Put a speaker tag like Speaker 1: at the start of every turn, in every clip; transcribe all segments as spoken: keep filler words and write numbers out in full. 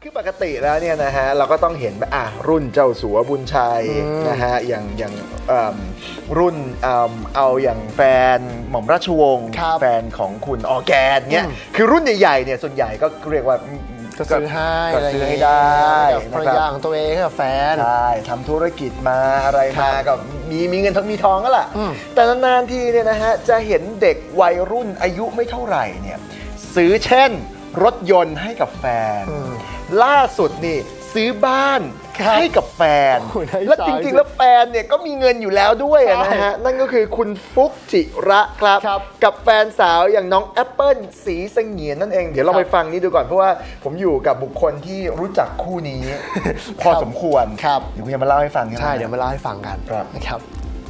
Speaker 1: คือปกติแล้วเนี่ยนะฮะเราก็ต้องเห็นอ่ะรุ่นเจ้าสัวบุญชัยนะฮะอย่างอย่างรุ่นเอาอย่างแฟนหม่อมราชวงศ์แฟนของคุณออร์แกนเนี่ยคือรุ่นใหญ่ๆเนี่ยส่วนใหญ่ก็เรียกว่า
Speaker 2: ก็ซื้อให้
Speaker 1: ก็ซื้อให้ได้
Speaker 2: ภรรยาของตัวเองกับแฟน
Speaker 1: ใช่ทำธุรกิจมาอะไรมาก็มีมีเงินทั้งมีทองก็แหละแต่นานๆทีเนี่ยนะฮะจะเห็นเด็กวัยรุ่นอายุไม่เท่าไหร่เนี่ยซื้อเช่นรถยนต์ให้กับแฟนล่าสุดนี่ซื้อบ้านให้กับแฟนและจริงๆแล้วแฟนเนี่ยก็มีเงินอยู่แล้วด้วยนะฮะนั่นก็คือคุณฟุกจิระครับกับแฟนสาวอย่างน้องแอปเปิลศรีเสงียนนั่นเองเดี๋ยวเราไปฟังนี้ดูก่อนเพราะว่าผมอยู่กับบุคคลที่รู้จักคู่นี้พอสมควรเดี๋ยวคุณจะมาเล่าให้ฟัง
Speaker 2: ใช่เดี๋ยวมาเล่าให้ฟังกันนะครับ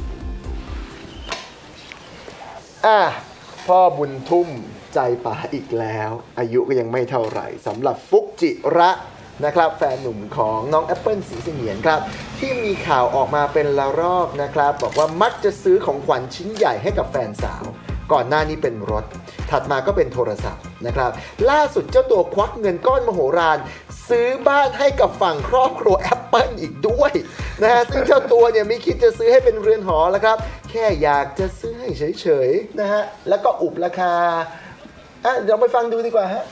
Speaker 1: อ่ะพ่อบุญทุ่มใจป่าอีกแล้วอายุก็ยังไม่เท่าไหร่สำหรับฟุกจิระนะครับแฟนหนุ่มของน้องแอปเปิลศรีเสงียนครับที่มีข่าวออกมาเป็นละรอบนะครับบอกว่ามักจะซื้อของขวัญชิ้นใหญ่ให้กับแฟนสาวก่อนหน้านี้เป็นรถถัดมาก็เป็นโทรศัพท์นะครับล่าสุดเจ้าตัวควักเงินก้อนมโหฬารซื้อบ้านให้กับฝั่งครอบครัวแอปเปิลอีกด้วยนะฮะซึ่งเจ้าตัวเนี่ยไม่คิดจะซื้อให้เป็นเรือนหอแล้วครับแค่อยากจะซื้อให้เฉยๆนะฮะแล้วก็อุบราคาอ่ะเดี๋ยวไปฟังดูดีกว่าฮะ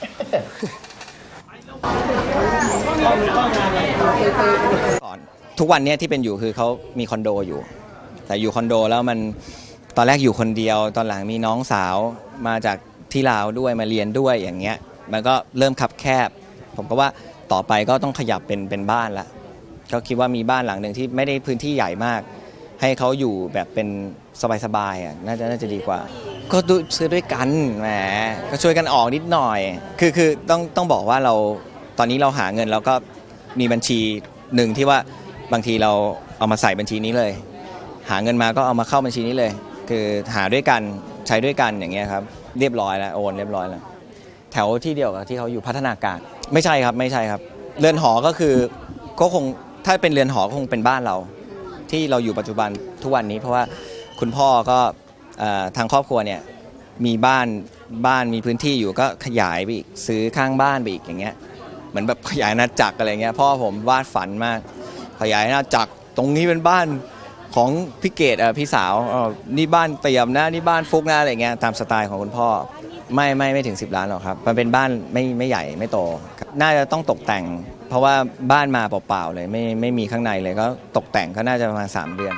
Speaker 3: ก่อนทุกวันนี้ที่เป็นอยู่คือเขามีคอนโดอยู่แต่อยู่คอนโดแล้วมันตอนแรกอยู่คนเดียวตอนหลังมีน้องสาวมาจากที่ลาวด้วยมาเรียนด้วยอย่างเงี้ยมันก็เริ่มคับแคบผมก็ว่าต่อไปก็ต้องขยับเป็นเป็นบ้านละก็คิดว่ามีบ้านหลังหนึ่งที่ไม่ได้พื้นที่ใหญ่มากให้เขาอยู่แบบเป็นสบายๆอ่ะน่าจะน่าจะดีกว่าก็ซื้อด้วยกันแหมก็ช่วยกันออกนิดหน่อยคือคือต้องต้องบอกว่าเราตอนนี้เราหาเงินแล้วก็มีบัญชีหนึ่งที่ว่าบางทีเราเอามาใส่บัญชีนี้เลยหาเงินมาก็เอามาเข้าบัญชีนี้เลยคือหาด้วยกันใช้ด้วยกันอย่างเงี้ยครับเรียบร้อยแล้วโอนเรียบร้อยแล้วแถวที่เดียวกับที่เขาอยู่พัฒนาการไม่ใช่ครับไม่ใช่ครับเรือนหอก็คือก็คงถ้าเป็นเรือนหอคงเป็นบ้านเราที่เราอยู่ปัจจุบันทุกวันนี้เพราะว่าคุณพ่อก็ทางครอบครัวเนี่ยมีบ้านบ้านมีพื้นที่อยู่ก็ขยายไปอีกซื้อข้างบ้านไปอีกอย่างเงี้ยเหมือนแบบขยายอาณาจักรอะไรเงี้ยพ่อผมวาดฝันมากขยายอาณาจักรตรงนี้เป็นบ้านของพี่เกดพี่สาวนี่บ้านเตี่ยมนะนี่บ้านฟุกนะอะไรเงี้ยตามสไตล์ของคุณพ่อไม่ไม่ไม่ถึงสิบล้านหรอกครับมันเป็นบ้านไม่ไม่ใหญ่ไม่โตน่าจะต้องตกแต่งเพราะว่าบ้านมาเปล่าๆเลยไม่ไม่มีข้างในเลยก็ตกแต่งก็น่าจะประมาณสามเดือน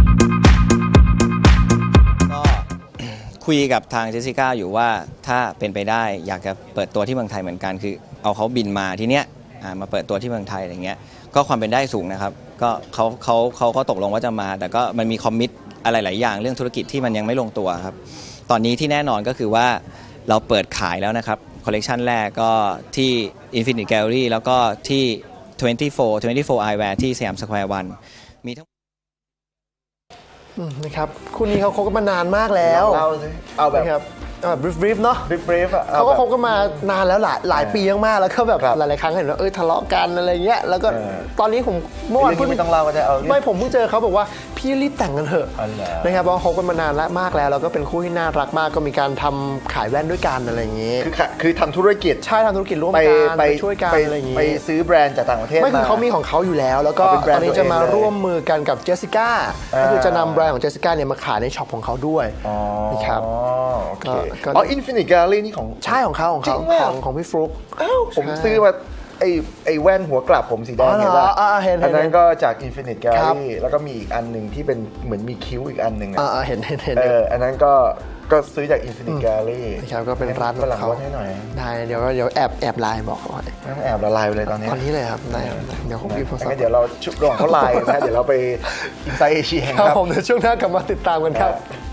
Speaker 3: ก็คุยกับทางเจสสิก้าอยู่ว่าถ้าเป็นไปได้อยากจะเปิดตัวที่เมืองไทยเหมือนกันคือเอาเขาบินมาที่เนี้ยมาเปิดตัวที่เมืองไทยอะไรเงี้ยก็ความเป็นได้สูงนะครับก็เขาเขาเขาก็ตกลงว่าจะมาแต่ก็มันมีคอมมิตอะไรหลายอย่างเรื่องธุรกิจที่มันยังไม่ลงตัวครับตอนนี้ที่แน่นอนก็คือว่าเราเปิดขายแล้วนะครับคอลเลกชันแรกก็ที่ Infinite Gallery แล้วก็ที่ยี่สิบสี่ ยี่สิบสี่ Eyewear ที่สยามสแควร์วันมีทั้ง
Speaker 2: นะครับคู่นี้เขาคบกันมานานมากแล้ว
Speaker 1: เอาสิเอาแบบ
Speaker 2: บรีฟบรีฟเนาะ
Speaker 1: บรีฟบรีฟ
Speaker 2: เขาก็คบกันมานานแล้วหลายหลายปีมากแล้วก็แบบหลายๆครั้งเห็นว่าเออทะเลาะกันอะไรเงี้ยแล้วก็ตอนนี้ผมเมื่อวาน
Speaker 1: เพิ่งไม่ต้องเล่าก็จะเอา
Speaker 2: ไม่ผมเพิ่งเจอเขาบอกว่าพี่รีบแต่งกันเถอะนะครับเพราะคบกันมานานแล้วมากแล้วแล้วก็เป็นคู่ที่น่ารักมากก็มีการทำขายแว่นด้วยกันอะไรอย่างเงี้ย
Speaker 1: คือคือทำธุรกิจ
Speaker 2: ใช่ทำธุรกิจร่วมกันไปช่วยกันอะไรอย่างเงี้ย
Speaker 1: ไปซื้อแบรนด์จากต่างประเทศ
Speaker 2: ไม่คือเขามีของเขาอยู่แล้วแล้วก็ตอนนี้จะมาร่วมมือกันกับเจสสิก้าก็คือจะนำแบรนด์ของเจสสิก้าเนี่ยมาขายในช็อปของเขาด้วยนะครับ
Speaker 1: อ๋อ Infinite Gallery นี่ของ
Speaker 2: ใช่ของเขาของเขาของของพี่ฟลุ๊ก
Speaker 1: ผมซื้อมาไอ้ไอ้แว่นหัวกลับผมสีแดงเนี่ยแหละอันนั้นก็จาก Infinite Gallery แล้วก็มีอีกอันหนึ่งที่เป็นเหมือนมีคิ้วอีกอันหนึ่งอ่
Speaker 2: ะเห็นเห็นเห็น
Speaker 1: เอออันนั้นก็ก็ซื้อจาก Infinite Gallery
Speaker 2: ครับก็เป็นร้านของเขา
Speaker 1: ให้หน่อย
Speaker 2: ได้เดี๋ยวเดี๋ยวแอบแอบไลน์บอกเขา
Speaker 1: ต้องแอบละลายไปเลยตอนนี้
Speaker 2: ตอนนี้เลยครับได้เดี๋ยวผมพิมพ์โทรศัพท์
Speaker 1: เดี๋ยวเราชุดรองเขาไลน์นะเดี๋ยวเราไป Inside Asia
Speaker 2: ครับผมเดี๋ยวช่วงหน้ากลับมาติดตามกันครับ